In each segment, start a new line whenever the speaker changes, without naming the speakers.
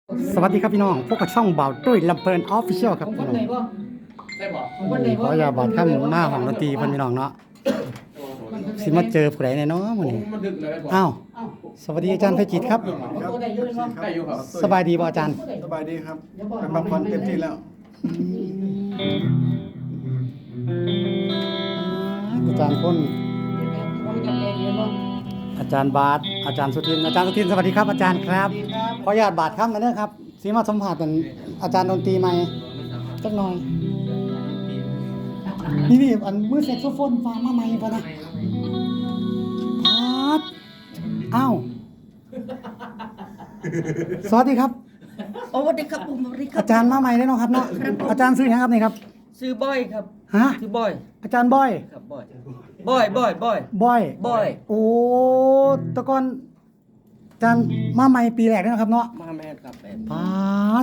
สวัสดีครับพี่น้องพวกกับช่องเบาตุ้ยลำเพลินออฟฟิเชียลครับพี่น้องขออย่าบาดข้ามมาของดนตรีเพิ่นพี่น้องเนาะสิมาเจอผู้ใดแน่เนาะมื้อนี้อ้าวสวัสดีอาจารย์ไพจิตรครับสบายดีบ่อาจารย์
สบายดีครับเป็นบางคนเต็มที่แล้ว
อาจารย์พ้นอาจารย์บาทอาจารย์สุทินสวัสดีครับอาจารย์ครับขออนุญาตบาทครับมาเด้อครับสิมาสัมภาษณ์กันอาจารย์ดนตรีใหม่จักหน่อยนี่อันมือแซกโซโฟนฟังมาใหม่ป่ะนะบาทอ้าวสวัสดีครับ
โอ้สวัสดีครับผมสวัสดีครับ
อาจารย์มาใหม่ได้เนาะครับเนาะอาจารย์ซื้อหยังครับนี่ครับ
ซื้อบอยครับ
ฮะ
ซื้อบอย
อาจารย์บอย
ครับบอย
บอย
บอย
โอ้แตะก่อนอาจารย์มาใหม่ปีแรกนี่นะครับเนาะ
มาแม่ครับแม่
ปาด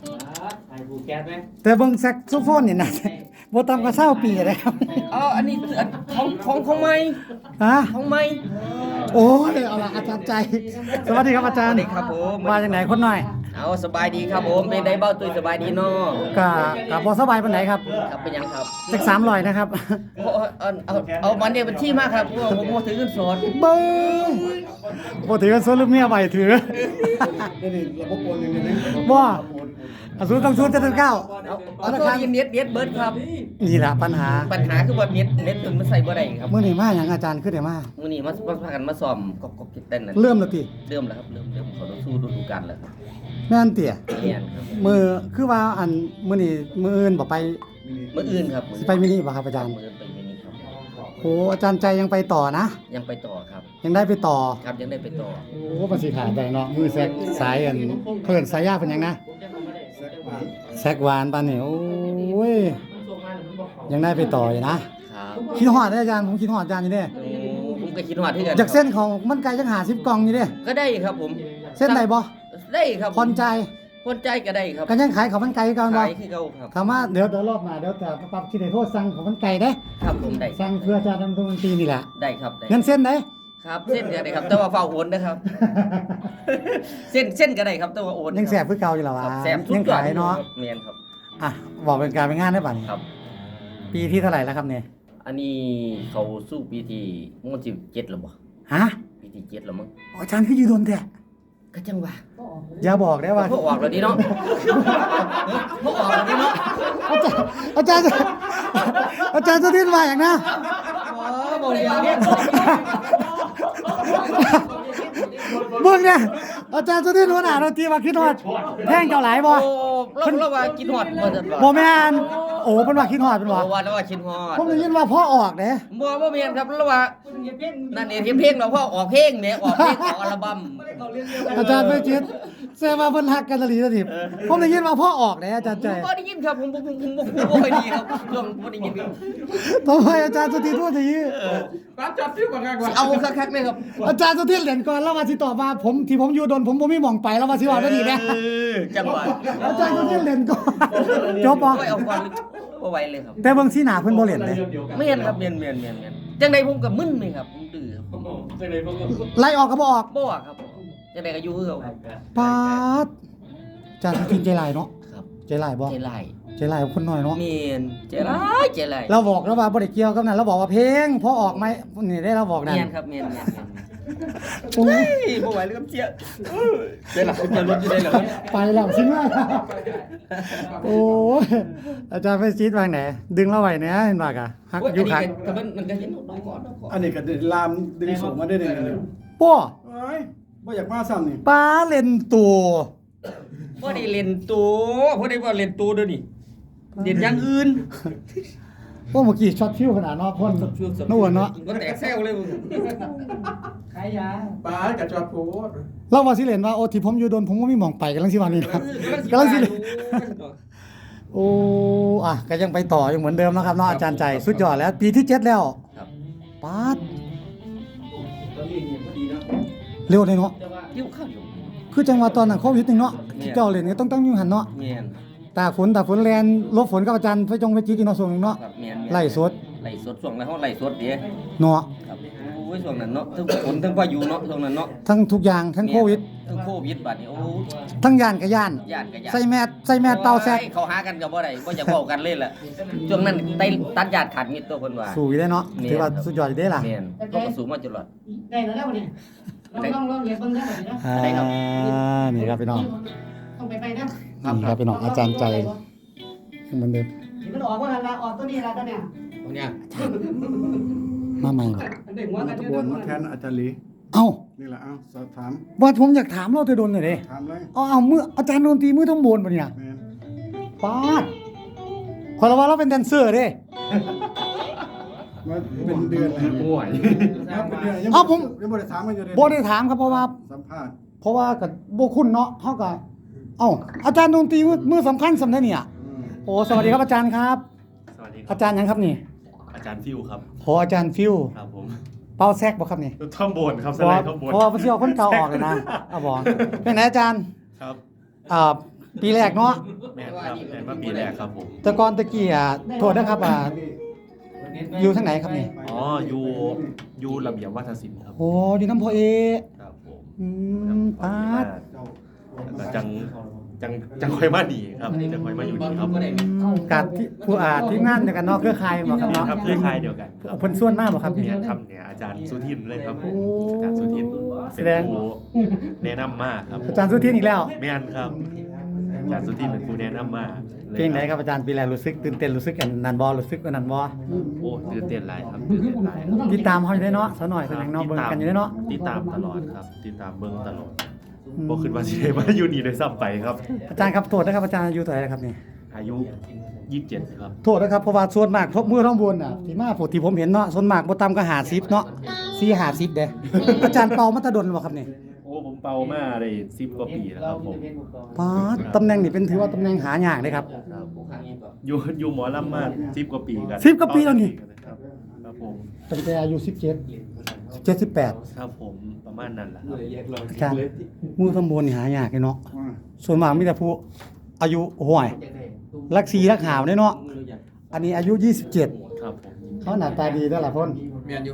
แต่เบิ่งแซกโซโฟนนี่นะบ่ต่ำกว่า20ปีเลยครับ
อ๋ออันนี้ของใหม่
ฮะ
ของใหม่
โอ้ยเอาล่ะอาจารย์ใจ สวัสดีครับอาจารย์
สวัสดีครับผม
มาจากไหนคนหน่อย
เอาสบายดีครับผมเป็นไดเบ้าตุ้ยสบายดีเนาะ
กะบ่สบายปานไหนครับ
ครับเป็นยังครับ
จัก300นะครับ
เอาวันนี้เป็นที่มากครับเพราะว่าผมมาถือเงินสด
เบิ้งบ่ถือกันซนลูกเมียไว้ถือ
นี่ระบบโอนเงินนี่
บ่อสูรต้องสูร799
เอาตัวเน็ตเบิร์ดครับ
นี่ล่ะปัญหา
ปัญหาคือว่าเน็ตมันใส่บ่ได้ครับ
มื้อนี้มาหยังอาจารย์คือได้มา
มื้อนี้มาพากันมาซ้อมกบเต้นนั่น
เริ่มแล้วติ
เริ่มแล้วครับเริ่มเขาสู้ฤดูกาลแล้วครับ
แม่นเตี่ย
เรียนครับ
มือคือว่าอันมื้อนี้มื้ออื่นบ่ไป
มื้ออื่นครับ
สิไปมินิบ่ครับอาจารย์
มื้ออื่นไปมินิครับ
โอ้อาจารย์ใจยังไปต่อนะ
ยังไปต่อครับ
ยังได้ไปต่อ
ครับยังได้ไปต่อ
โอ้มันสิขาดได้เนาะมือแซกสายอันเพิ่นสายยากเป็นหยังนะ
แซกหวาน
แซกหวานปานนี่โอ้ยยังได้ไปต่ออยู่นะครับ คิดฮอดเด้ออาจารย์ผมคิดฮอดอาจารย์อยู่เด้
ผมก็คิดว่าที่กัน
จากเส้นของมันไกลจัง50กล่องอยู่เด้
ก็ได้ครับผม
เส้นใดบ่
ได้ครับ
ผ่อนใจ
คนใจก็ได้ครับ
กันยังขายของมันไกลคือเก่าบ่
ขายคือเก่าครับ
คำว่าเดี๋ยวรอบหน้าเดี๋ยวจะปรับที่ได้โทษสั่งของมันไกลเด้
ครับผมได้
สั่งเพื่ออาจารย์ดนตรีนี่แหละ
ได้ครับได้
เงินเส้นเด้
ครับเส้นก็ได้ครับแต่ว่าเฝ้าโอนนะครับ เส้นก็ได้ครับแต่ว่าโอน
ยังแสบคือเก่าอยู่แล้ว
ครับ
วะ
แสบทุก
ยัง
อย่าง
ขายเนาะ
เมียนครับ
อ่ะบอกเป็นการเป็นงานได้ป่ะนี่
ครับ
ปีที่เท่าไหร่แล้วครับเนี่ย
อันนี้เขาสู้ปีที่มันสิ7แล้วบ่
ฮะ
ปีที่7แล้วมั้ง
อ๋ออาจารย์คืออยู่โดนแท้
ก็จังว่า
อย่าบอกได้ว่า
พวกออกแล้วนี่เนาะพวกออกแล้วนี่เนาะ
อาจารย์อาจารย์สุทินมาอย่างนะ
อ๋อบ่ได้เนี่ย
มึงเนี่ยอาจารย์สุทินหัวหน้าดนตรีมาคิดฮอดแท่งเจ้าหลายบ่
โอ้เราว่ากินฮอดบ่ซั่น
บ่แม่นโอ้เพิ่นว่าคิดฮอดเพิ่นว่า
ว่าเราว่ากินฮอด
ผมได้ยินว่าพ่อออกเด้
บ่แม่นครับเราว่านั่นเองเพลงเราพ่อออกเพลงแหมออกเพลงออกอัลบั้ม
อาจารย์ไม่จิตแซว่าเพิ่นฮักกันตะลีตะดิบผมได้ยินว่าพ่อออกเด้อาจารย์ใจ
บ่ได้ยินครับผมบ่ค่อยดีครับเรื่องบ่ได้ยินครับ
ทำไมอาจารย์สุทินพูดอย่างนี้
ร้านจัดที่กว่าไงกว่า
เอาคักๆเลยครับ
อาจารย์สุทินเหรียญก่อนแล้วว่าสิตอบว่าผมที่ผมอยู่ดนผมบ่มีหม่องไปแล้วว่าสิว่าได้ดีแน่
จังหวะ
อาจารย์สุทินเหรียญก่อนจบบ่
โอ้ยเอาก่อนบ่ไหวเลยครับ
แต่เบิ่งสีหน้าเพิ่นบ่เหรียญเลย
แม่นครับแม่นจังไดผมก็มึนเลยครับผมดื้อครับ
ไล่ออกก็บ่ออก
บ่อะครับจังไดก็อยู่คือเก่าครับ
ปาดอาจารย์สุทินใจร้ายเนาะ
ครับ
ใจร้ายบ่
ใจร้าย
ใจร้ายกับคนน้อยเนาะ
แม่นใจร้าย
เราบอกแล้วว่าบ่ได้เกี่ยวกับนั้นเราบอกว่าเพลงพอออกไหมนี่ได้เราบอกนั่น
แม่นครับแม่น
โอ้ย
บ่ไหวเลยครับเจี๊ยได้หลักจะลดอยู่ได้เหรอ
ไปแล้วสิมาโอ้ยอาจารย์ไปซีดวางไหนดึงเราไว้เนี่ยเห็นบ่กะฮักอยู่คัก
แต่มันก็เห็นน้องก่อน
อันนี้ก็ลามดึงสูงมาได้เลยเลย
ป้อ
เอ้ยบ่อยากมาซ้ำนี่
ป้าเล่นตัว
บ่ได้เล่นตัวบ่ได้ว่าเล่นตัวเด้อนี่เล่นอย่างอื่น
โอ้เมื่อกี้ช็อตฟิวขนาดเนาะพ่นนู่นเนาะ
ก็แตกแซวเลยมึง
ปลากับจอดโพด
เราว่าสิเล่นว่าโอ้ที่ผมอยู่โดนผมก็มีหม่องไปกำลังสิว่านี่ครับกำลังสิเล่นโอ้อ่ะก็ยังไปต่อยังเหมือนเดิมนะครับเนาะอาจารย์ใจสุดยอดแล้วปีที่7แล้ว
ครับ
ป๊าดเร็วเลยเนาะ
ยิ้วข้าวอยู่
คือจังหวะตอนนั้นโควิดนึงเนาะที่เจ้าเล่นก็ต้องอยู่หันเนาะ
แม่น
ตาฝนแลนลบฝนกับอาจารย์ไปจีกินเนาะส่วนนึงเนาะ
ครับแม่น
ไล่สด
ไล่สดช่วงแล้วเฮาไล่สดเด้
เนาะ
ครับโอ้ยยช่วงนั้นเนาะทั้งฝนทั้งพายุเนาะช่วงนั้นเนาะ
ทั้งทุกอย่างทั้งโควิด
ทั้งโควิดบัดนี้โอ้
ทั้งย่านกับย่าน
ย่านกับย่าน
ใส่แมสเป่าแซก
เขาหากันก็บ่ได้บ่อยากเว้ากันเลยล่ะช่วงนั้นตัดญาติขาดมิตรตัวเพิ่นว่า
สู้อยู่ได้เนาะถือว่าสุดยอดอยู่เด้ล่ะ
แม่นต้องก็สู้มาตลอด
ได้แล้วเนี่ยลองเรียนเบิ่งได้แบบนี้นะ
นี่ครับพี่น้อง
ต้องไปนะ
นี่ครับพี่น้องอาจารย์ใจเหมือนเดิม
มันออกว่าละออกตัวนี้ละตัวเนี่ย
ตรงเนี้ย
มาใหม่บ่
เด็กหัว
มา
กัน
ตะ
เย
โก
อะ
นมาแทนอาจารย์หลี
เอ้า
นี่แหละเอาสอบถาม
ว่าผมอยากถามเราจะโดนหน่อยดิ
ถามเลย
เอามืออาจารย์ดนตรีมือทั้งบนปะเนี่ย
แม่น
ปาดขอละว่าเราเป็นแดนเซอร์เด้
มาเป็นเดือนแล้วป่วยเป็นเดือนยังบ่ได้ถามกันอยู่เลย
บ่ได้ถามครับเพราะว่า
สัมภาษณ์
กับบ่คุณเนาะเฮาก็เอ้าอาจารย์ดนตรีมือสำคัญสำได้เนี่ย
อืม
โอ้สวัสดีครับอาจารย์ครับ
สวัสดีครั
อา
บ
จารย์หยังครับนี่
อาจารย์ฟิวครับ
โหอาจารย์ฟิว
ครับผม
เป่าแซกบ่ครับนี่
ท่อมโบนครับส
เพราะ
ไล
ว่า
ด์ท่อมโบน
เพราะว่าเพิ่นสิเอาคนเก่าออกเลยนะเอาบ่เป็นไงอาจารย์
ครับ
ปีแรกเนาะ
แม่นครับแม่นมาปีแรกครับผม
แต่ก่อนตะกี้โทษนะครับอยู่ทางไหนครับนี่
อ๋ออยู่ระเบียบวัฒนศิลป์ครับ
โอ้อยู่น้ำพอเอ
ครับผม
ปาด
แล้วก็จังค่อยมาดีครับจังค่อยมาอยู่ดีครับ
กับที่ผู้ที่งานเดียวกันเนาะเครือข่ายบ่ครับ
นี่
เนาะ
ครับเครือข่ายเดียวกันครับ
เพิ่นส่วนมากบ่ครับ
เนี่ยครับเนี่ยอาจารย์สุทินเลยครับผม
โอ้
อาจารย์สุทิน
แส
เป็น
ดง
ผู้แนะนำมากครับ
อาจารย์สุทินอีกแล้ว
แม่นครับอาจารย์สุทินเป็นผู้แนะนำมากลย
เพลงไหนครับอาจารย์ปีแรกรู้สึกตื่นเต้นรู้สึกอันนั้นบ่รู้สึกอันนั้นบ่
โอ้ตื่นเต้นหลายครับตื่นเต้นหลายครับ
ติดตามเฮาอยู่ได้เนาะซะหน่อยแสดงเนาะเบิ่งกันอยู่ได้เนาะ
ติดตามตลอดครับติดตามเบิ่งตลอดบ่คิดว่าสิได้มาอยู่นี่ได้ซ้ำไปครับ
อาจารย์ครับโทษนะครับอาจารย์อายุเท่าไหร่ครับนี่
อายุ27ครับ
โทษนะครับเพราะว่าส่วนมากพวกมือท้องบนน่ะที่มาที่ผมเห็นเนาะส่วนมากบ่ต่ำก็50เนาะ4-50เด้อาจารย์เป่ามาแตะดนบ่ครับนี่
โอ้ผมเป่ามาได้10กว่าปีแล้วครับผม
ปาดตำแหน่งนี่เป็นถือว่าตำแหน่งหายากเลยครับ
ครับอยู่หมอลำมา10กว่าปีกัน
10กว่าปีแล้วนี่
ครับครับผม
ตั้งแต่อายุ17 18
ครับผมประมาณนั้นแหละครับ
อาจารย์มือตำบลนี่หายากเลยเนาะ
ว่า
ส่วนมากมีแต่ผู้อายุห่วยรักสีรักหาวเด้เนาะอันนี้อายุ 27
ครับผม
เขาหน้าตาดีเด้อล่ะพ่น
เมียนอยู่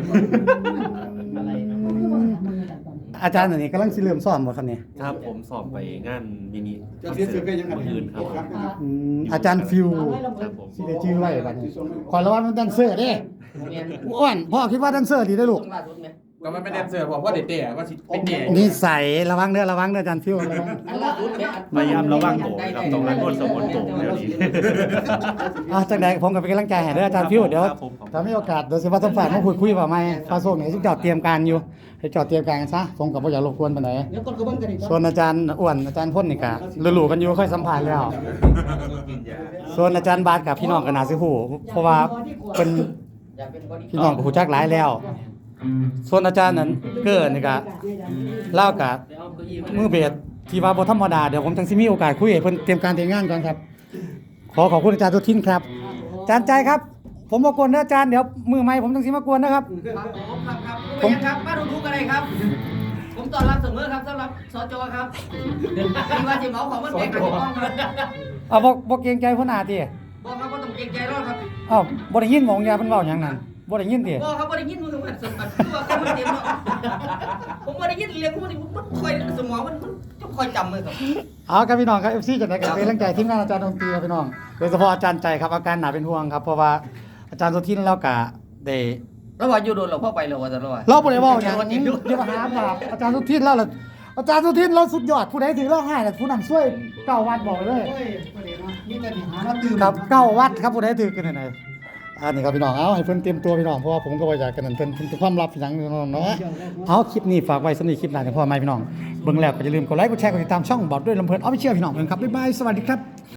อาจารย์อันนี้กำลังสิเริ่มสอนบ่ครับเนี่ย
ครับผมสอบไปงานมินิ
จะเสียเสือก็ยัง
มื้ออื่นครับผม
อาจารย์ฟิว
ครับผม
สิได้ชื่อไว้บัดนี้ขอระวังเป็นแดนเซอร์เด้อ้วนพ่อคิดว่าแดนเซอร์ดีเด้อลูก
ก็มันไม่แดนเซอร์เพราะว่าเด็กๆว่าสิเป็นเด็ก
นิสัยระวังเด้ออาจารย์ฟิวระวัง
พยายามระวังตัวครับต้องรักโทษสมนตัวเดี๋ยวนี้
จังได๋ผมก็เป็นกำลังใจให้เด้ออาจารย์ฟิวเดี๋ยว
ครับผม
ถ้ามีโอกาสเดี๋ยวสิว่าสัมภาษณ์มาพูดคุยว่าใหม่ฟ้าโซงนี่สิจอดเตรียมการอยู่ให้จอดเตรียมการกันซะผมก็บ่อยากรบกวนปานใด
เดี๋ยวคนก็เบิ่งกันอีก
ส่วนอาจารย์อ้วนอาจารย์พ่นนี่ก็รู้ๆกันอยู่ค่อยสัมภาษณ์แล้ว ส่วนอาจารย์บาสกับพี่น้องก็น่าสิฮู้เพราะว่าเป็นพี่น้องก็ฮู้จักหลายแล้ว ส่วนอาจารย์นั้นเกิดนี่ก็เล่ากับมือเบสที่ว่าบ่ธรรมดาเดี๋ยวผมจังสิมีโอกาสคุยให้เพิ่นเตรียมการเตรียมงานก่อนครับ ขอบคุณอาจารย์ทุกทินครับอาจารย์ใจครับ ผมมากวนนะอาจารย์เดี๋ยวมือใหม่ผมจังสิมากวนนะครับ
ผมครับมาดูกันเลยครับ ผมต้อนรับเสมอครับสำหรับสจครับที่ว่าสิเหมาของมันเป็นกับที่ต้องครับ
เอาบ่เกรงใจพ่นอาติ
บอกครับว่าต้องเกรงใจรอดครับ
อ้าวบ่ได้ยินหมองยาเพิ่นเว้าหยังนั่นบ่ได้ยินติ
บอกครับว่าได้ยินมือมันสมบัติตัวกันมันเต็มเนาะผมว่าได้ยินเรียกผมมันคอยสมองมันจะคอยจำเลยครับ
เอาครับพี่น้องครับ FC จังได๋ก็เป็นกำลังใจทีมงานอาจารย์ดนตรีครับพี่น้องโดยเฉพาะอาจารย์ใจครับอาการหนาเป็นห่วงครับเพราะว่าอาจารย์สุทินเราก็ได้
แล้วว่าอยู่โดนเราเข้าไปเราว่าจะเราว่า
เราบ่ได้เว้าหยังอย่ามาหาบาปอาจารย์สุทินเราล่ะอาจารย์สุทินเราสุดยอดผู้ใดถือเราให้น่ะผู้นั้นช่วยเก้าวัดบอกเลย
นี่แต่หาแล้วตื่น
ครับเก้าวัดครับผู้ใดถือกันไหนอันนี้ครับพี่น้องเอาให้เพิ่นเตรียมตัวพี่น้องเพราะว่าผมก็บ่อยากกันนั่นเพิ่นความลับหยังพี่น้องเนาะเอาคลิปนี้ฝากไว้สำหรับคลิปหน้าจังพอไหมพี่น้องเบิ่งแล้วก็อย่าลืมกดไลค์กดแชร์กดติดตามช่องบอกด้วยลำเพลินออฟฟิเชียลพี่น้องเพิ่นครับบ๊ายบายสวัสดีครับ